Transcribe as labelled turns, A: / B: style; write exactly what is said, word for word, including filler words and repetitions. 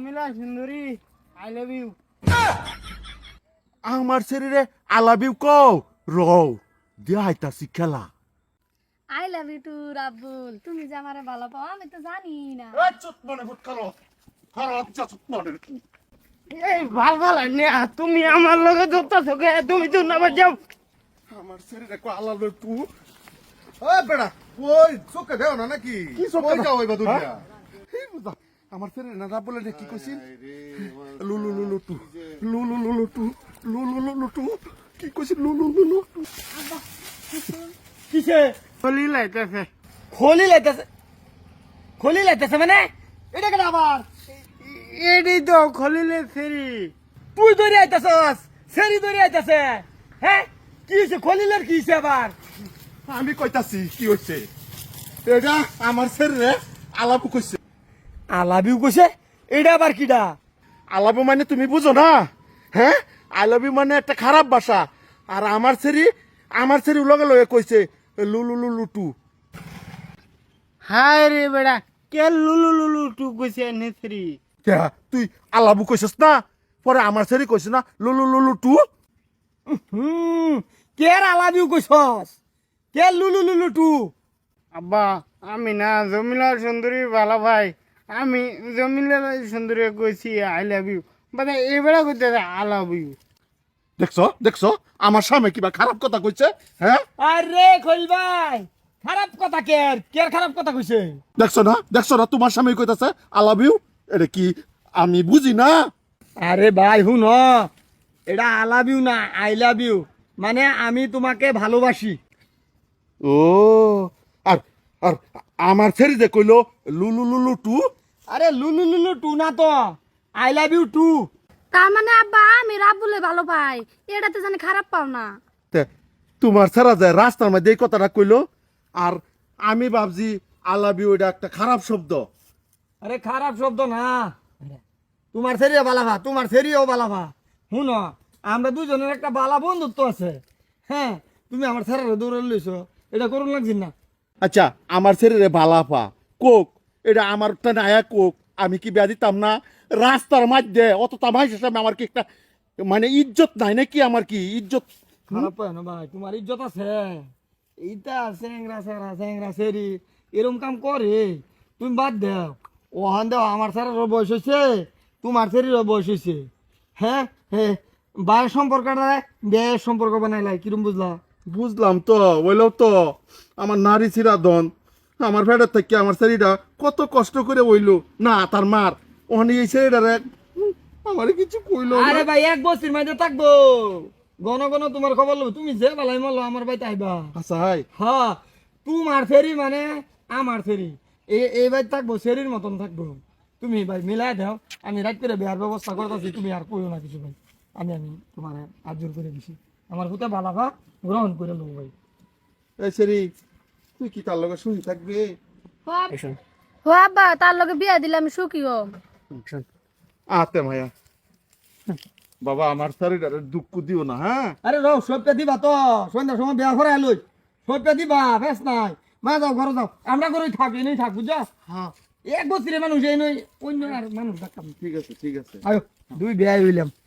A: জমিলা সুন্দরী I love you.
B: আমার শরীরে আলাবিউ কও রও দিয়া আইতাছি খেলা।
C: আই লাভ ইউ টু রাব্বুল। তুমি যে আমারে ভালো পাও আমি তো জানি না।
B: এই চুপ মনে ভূত করো করো আচ্ছা চুপ মনে।
A: এই ভাল ভাল নে তুমি আমার লগে ধরতেছো কে? তুমি তো না যাও।
B: আমার শরীরে কো আলাবিউ টু
D: ওই বেড়া ওই চোখে দেও না নাকি
B: কি চোখে
D: ওই
B: দাও?
D: যাও এবার দুনিয়া
B: এই বুঝা আমার শরীরে না বলে রে কি কইছিস লুলু লুলু টু লুলু লুলু টু লুলু লুলু টু কি কইছিস লুলু লুলু টু
A: কিসে খলি লাইতেছে? খলি লাইতেছে? খলি লাইতেছে মানে এটা কেন আবার? এডি তো খলিলে ফেরি। তুই ধরে আইতাছস, সেরি ধরে আইতাছে। হ্যাঁ কি হইছে? খলিলের কি হইছে আবার?
B: আমি কইতাছি কি হইছে এটা আমার শরীরে আলাবু কইছে।
A: আলাবিউ কইছে? এটা আবার কিডা?
B: আলাবু মানে তুমি বুঝো না? হ্যাঁ আলাবি মানে একটা খারাপ ভাষা। আর আমার সেরি আমার সেরি লগে লগে কইছে লুলু লুলু টু।
A: হায় রে বেড়া, কে লুলু লুলু টু কইছে নেছরি?
B: কে তুই আলাবু কইছস না? পরে আমার সেরি কইছে না লুলু লুলু টু।
A: হুম, কে আলাবিউ কইছস? কে লুলু লুলু টু? আব্বা আমি না জমিলা সুন্দরী ভালো ভাই। আমি জমিলা সুন্দরী কইছি আই লাভ ইউ, মানে এবেলা কইতে আই লাভ ইউ।
B: দেখছো দেখছো আমার সামনে কিবা খারাপ কথা কইছে। হ্যাঁ
A: আরে খলিল ভাই, খারাপ কথা কের? কের খারাপ কথা কইছে?
B: দেখছো না দেখছো না তোমার সামনে কইতাছে আই লাভ ইউ। এটা কি আমি বুঝি না?
A: আরে ভাই হুন, এটা আই লাভ ইউ না আই লাভ ইউ, মানে আমি তোমাকে ভালোবাসি।
B: ও আর আর আমার সেরি যে কইলো লুলু লুলু টু।
A: আরে লুলু লুলু টু না তো, আই লাভ ইউ টু।
C: তার মানে আব্বা আমি রাব্বুলে ভালো পাই, এটাতে জানি খারাপ পাও না।
B: তে, তোমার ছাড়া যায় রাস্তার মধ্যে এই কথাটা কইলো আর আমি ভাবছি আই লাভ ইউ এটা একটা খারাপ শব্দ।
A: আরে খারাপ শব্দ না, তোমার সেরিও বালাভা, তোমার সেরিও বালাভা। শুন, আমরা দুজনের একটা বালা বন্ধুত্ব আছে। হ্যাঁ তুমি আমার ছেড়ে দৌড়ে লইছো, এটা করুন লাগছি না।
B: আচ্ছা আমার শরীরে ভালাফা কোক এটা আমার নায়া কোক আমি কি বেয়া দিতাম না রাস্তার মধ্যে অত তামাই সামনে? আমার কি একটা মানে ইজ্জত নাই নাকি? আমার কি ইজ্জত?
A: খারাপ পায় না ভাই, তোমার ইজ্জত আছে। এইটা স্যাংরা স্যাংরা স্যাংরা সেরি এরম কাম করে, তুমি বাদ দাও। ওহান দাও, আমার স্যারেরও বয়স হয়েছে, তোমার সেরিরও বয়স হয়েছে। হ্যাঁ হ্যাঁ, বায়ের সম্পর্কটা বেয়ের সম্পর্ক বানাইলাই, কিরম বুঝলা?
B: বুঝলাম তো বললেও তো আমার নারী চিরাদন আমার ফেডার থেকে আমার শরীরটা কত কষ্ট করে হইলো না তার মার ওখানে এই শরীরটার আমার কিছু কইলো না।
A: আরে ভাই এক বছর মাঝে থাকবো, গণ গণ তোমার খবর লব। তুমি যে বেলায় মারলো আমার বাড়িতে আইবা।
B: আচ্ছা হাই
A: হ্যাঁ তোমার ফেরি মানে আমার ফেরি, এই এই বাড়ি থাকবো, সেরির মতন থাকবো। তুমি ভাই মিলাই দাও, আমি রাত করে বিয়ার ব্যবস্থা করতেছি। তুমি আর কইও না কিছু ভাই, আমি আমি তোমার আজর করে দিছি। আমার হতে বালাভা গ্রহণ করে নেবো ভাই।
B: এই সেরি তুই কি তার লগে শুনি থাকবে?
C: হো আব্বা, তার লগে বিয়া দিলে আমি সুখী হম।
B: আতে মায়া বাবা আমার শরীরটারে দুঃখ দিও না। হ্যাঁ
A: আরে রও, সবটা দিবা তো, সন্ধ্যার সময় বিয়া করে আলোই, সবটা দিবা, বেশ নাই। মা যাও ঘরে যাও, আমরা ঘরে থাকি নেই থাক, বুঝছো?
B: হ্যাঁ
A: এক বছরের মানুষ এই নই, অন্য আর মানুষ থাকতাম।
B: ঠিক আছে ঠিক আছে।
A: আয়ো দুই বিয়া হইলাম।